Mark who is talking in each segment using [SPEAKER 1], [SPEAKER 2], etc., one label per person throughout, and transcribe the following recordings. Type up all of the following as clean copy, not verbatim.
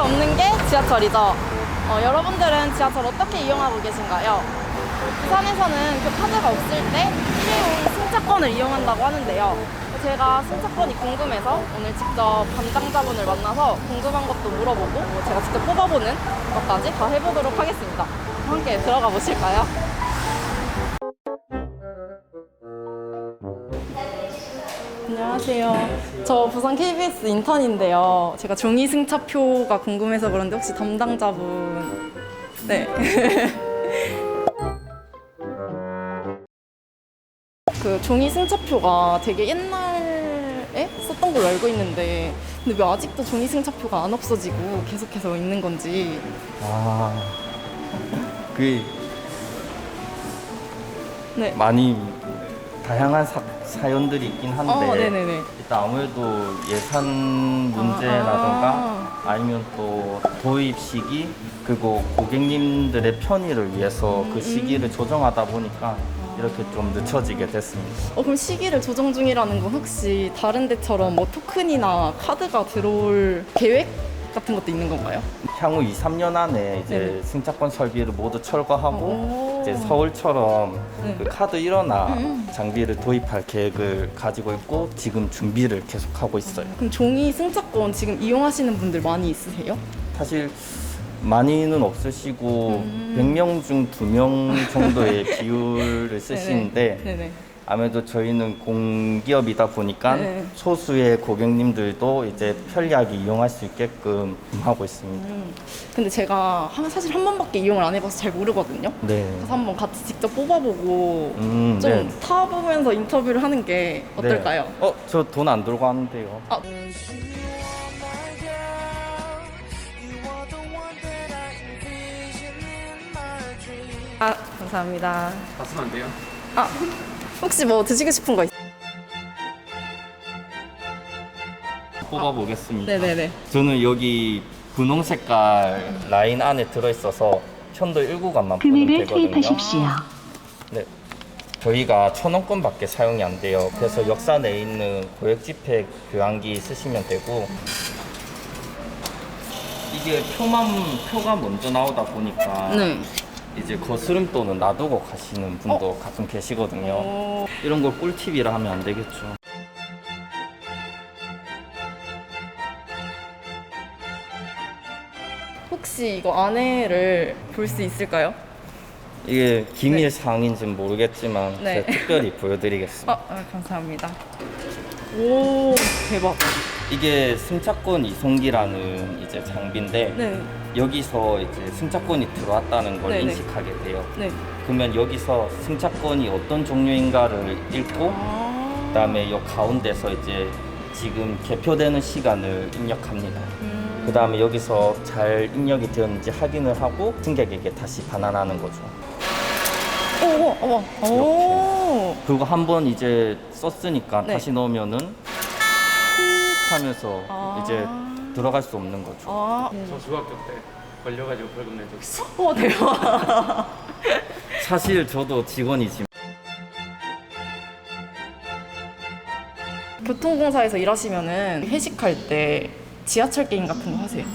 [SPEAKER 1] 없는 게 지하철이죠. 여러분들은 지하철 어떻게 이용하고 계신가요? 부산에서는 그 카드가 없을 때 일회용 승차권을 이용한다고 하는데요. 제가 승차권이 궁금해서 오늘 직접 담당자분을 만나서 궁금한 것도 물어보고 제가 직접 뽑아보는 것까지 다 해보도록 하겠습니다. 함께 들어가 보실까요? 안녕하세요. 저 부산 KBS 인턴인데요. 제가 종이 승차표가 궁금해서 그런데 혹시 담당자분... 네. 그 종이 승차표가 되게 옛날에 썼던 걸로 알고 있는데 근데 왜 아직도 종이 승차표가 안 없어지고 계속해서 있는 건지.
[SPEAKER 2] 그
[SPEAKER 1] 네.
[SPEAKER 2] 많이 다양한 사연들이 있긴 한데
[SPEAKER 1] 네네네.
[SPEAKER 2] 일단 아무래도 예산 문제라든가 아니면 또 도입 시기 그리고 고객님들의 편의를 위해서 그 시기를 조정하다 보니까 이렇게 좀 늦춰지게 됐습니다.
[SPEAKER 1] 그럼 시기를 조정 중이라는 건 혹시 다른 데처럼 뭐 토큰이나 카드가 들어올 계획 같은 것도 있는 건가요?
[SPEAKER 2] 향후 2, 3년 안에 이제
[SPEAKER 1] 네네.
[SPEAKER 2] 승차권 설비를 모두 철거하고
[SPEAKER 1] 오.
[SPEAKER 2] 이제 서울처럼
[SPEAKER 1] 네.
[SPEAKER 2] 그 카드 일어나 장비를 도입할 계획을 가지고 있고 지금 준비를 계속하고 있어요.
[SPEAKER 1] 그럼 종이 승차권 지금 이용하시는 분들 많이 있으세요?
[SPEAKER 2] 사실 많이는 없으시고 100명 중 2명 정도의 비율을 쓰시는데
[SPEAKER 1] 네네.
[SPEAKER 2] 아무래도 저희는 공기업이다 보니까
[SPEAKER 1] 네.
[SPEAKER 2] 소수의 고객님들도 이제 편리하게 이용할 수 있게끔 하고 있습니다.
[SPEAKER 1] 근데 제가 사실 한 번밖에 이용을 안 해봐서 잘 모르거든요.
[SPEAKER 2] 네.
[SPEAKER 1] 그래서 한번 같이 직접 뽑아보고
[SPEAKER 2] 네.
[SPEAKER 1] 좀 타보면서 인터뷰를 하는 게 어떨까요?
[SPEAKER 2] 네. 저 돈 안 들고 왔는데요.
[SPEAKER 1] 감사합니다.
[SPEAKER 3] 다 쓰면 안 돼요?
[SPEAKER 1] 혹시 뭐 드시고 싶은 거 있어요?
[SPEAKER 2] 뽑아보겠습니다.
[SPEAKER 1] 네네네.
[SPEAKER 2] 저는 여기 분홍 색깔 라인 안에 들어있어서 편도 1구간만 보면
[SPEAKER 4] 금액을
[SPEAKER 2] 되거든요.
[SPEAKER 4] 투입하십시오.
[SPEAKER 2] 네. 저희가 1,000원권밖에 사용이 안 돼요. 그래서 역사 내에 있는 고액지폐 교환기 쓰시면 되고 이게 표가 먼저 나오다 보니까
[SPEAKER 1] 네.
[SPEAKER 2] 이제 거스름돈은 놔두고 가시는 분도 가끔 계시거든요. 이런 걸 꿀팁이라 하면 안 되겠죠.
[SPEAKER 1] 혹시 이거 안에를 볼 수 있을까요?
[SPEAKER 2] 이게 기밀 사항인지는 모르겠지만
[SPEAKER 1] 네.
[SPEAKER 2] 제가 특별히 보여드리겠습니다.
[SPEAKER 1] 감사합니다. 오, 대박.
[SPEAKER 2] 이게 승차권 이송기라는 이제 장비인데
[SPEAKER 1] 네.
[SPEAKER 2] 여기서 이제 승차권이 들어왔다는 걸
[SPEAKER 1] 네네.
[SPEAKER 2] 인식하게 돼요.
[SPEAKER 1] 네.
[SPEAKER 2] 그러면 여기서 승차권이 어떤 종류인가를 읽고 그다음에 이 가운데서 이제 지금 개표되는 시간을 입력합니다. 그다음에 여기서 잘 입력이 되었는지 확인을 하고 승객에게 다시 반환하는 거죠.
[SPEAKER 1] 오.
[SPEAKER 2] 그리고 한번 이제 썼으니까
[SPEAKER 1] 네.
[SPEAKER 2] 다시 넣으면은 휙 하면서 이제 들어갈 수 없는 거죠.
[SPEAKER 3] 저 중학교 때 걸려가지고 벌금 낸 적 있어.
[SPEAKER 1] 대박.
[SPEAKER 2] 사실 저도 직원이지만
[SPEAKER 1] 교통공사에서 일하시면은 회식할 때 지하철 게임 같은 거 하세요?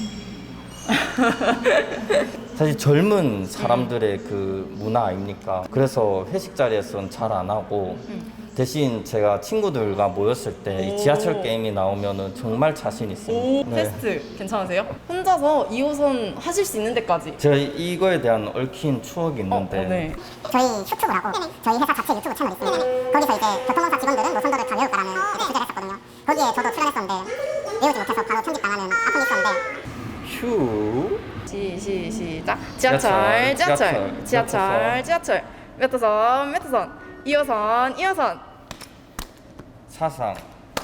[SPEAKER 2] 사실 젊은 사람들의 그 문화 아닙니까? 그래서 회식 자리에서는 잘 안 하고 대신 제가 친구들과 모였을 때 이 지하철 게임이 나오면은 정말 자신 있습니다. 네.
[SPEAKER 1] 테스트 괜찮으세요? 혼자서 2호선 하실 수 있는 데까지.
[SPEAKER 2] 제가 이거에 대한 얽힌 추억이 있는데
[SPEAKER 1] 네.
[SPEAKER 5] 저희 유튜브라고 저희 회사 자체 유튜브 채널이 있습니다. 거기서 이제 교통공사 직원들은 노선도를 다 외울까라는 이제 주제를 했었거든요. 거기에 저도 출연했었는데 외우지 못해서 바로 편집당하는 아픔이 있었는데
[SPEAKER 2] 휴
[SPEAKER 1] 시작. 지하철. 몇 호선. 2호선.
[SPEAKER 2] 사상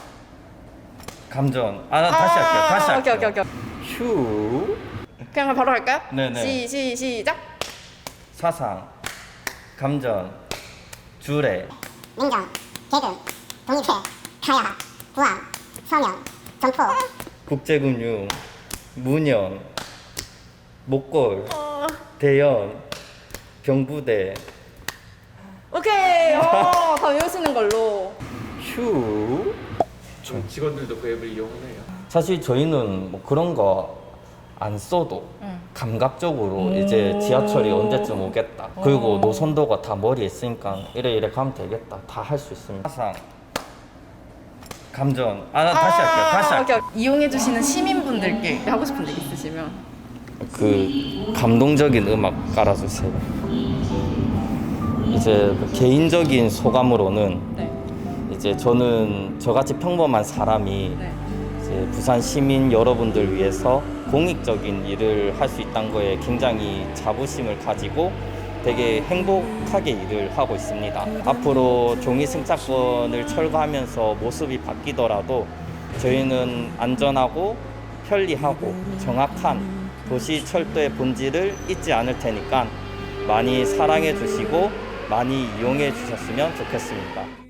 [SPEAKER 2] 감전 다시 할게요.
[SPEAKER 1] 오케이.
[SPEAKER 2] 휴
[SPEAKER 1] 그냥 바로 할까요?
[SPEAKER 2] 네네.
[SPEAKER 1] 시작.
[SPEAKER 2] 사상 감전 주례
[SPEAKER 5] 민정, 개근, 독립회, 가야, 부안, 서면, 점포
[SPEAKER 2] 국제금융 문현 목골 대연 병부대
[SPEAKER 1] 오케이. 다 외우시는 걸로.
[SPEAKER 2] 휴
[SPEAKER 3] 좀 직원들도 그 앱을 이용해요.
[SPEAKER 2] 사실 저희는 뭐 그런 거 안 써도 감각적으로 이제 지하철이 언제쯤 오겠다. 그리고 노선도가 다 머리에 있으니까 이래 가면 되겠다. 다 할 수 있습니다. 항상 감정. 다시 할게요.
[SPEAKER 1] 오케이. 이용해주시는 시민분들께 하고 싶은 얘기 있으시면.
[SPEAKER 2] 그 감동적인 음악 깔아주세요. 이제 그 개인적인 소감으로는
[SPEAKER 1] 네.
[SPEAKER 2] 이제 저는 저같이 평범한 사람이
[SPEAKER 1] 네.
[SPEAKER 2] 이제 부산 시민 여러분들 위해서 공익적인 일을 할 수 있다는 거에 굉장히 자부심을 가지고 되게 행복하게 일을 하고 있습니다. 앞으로 종이 승차권을 철거하면서 모습이 바뀌더라도 저희는 안전하고 편리하고 정확한 도시 철도의 본질을 잊지 않을 테니까 많이 사랑해 주시고 많이 이용해 주셨으면 좋겠습니다.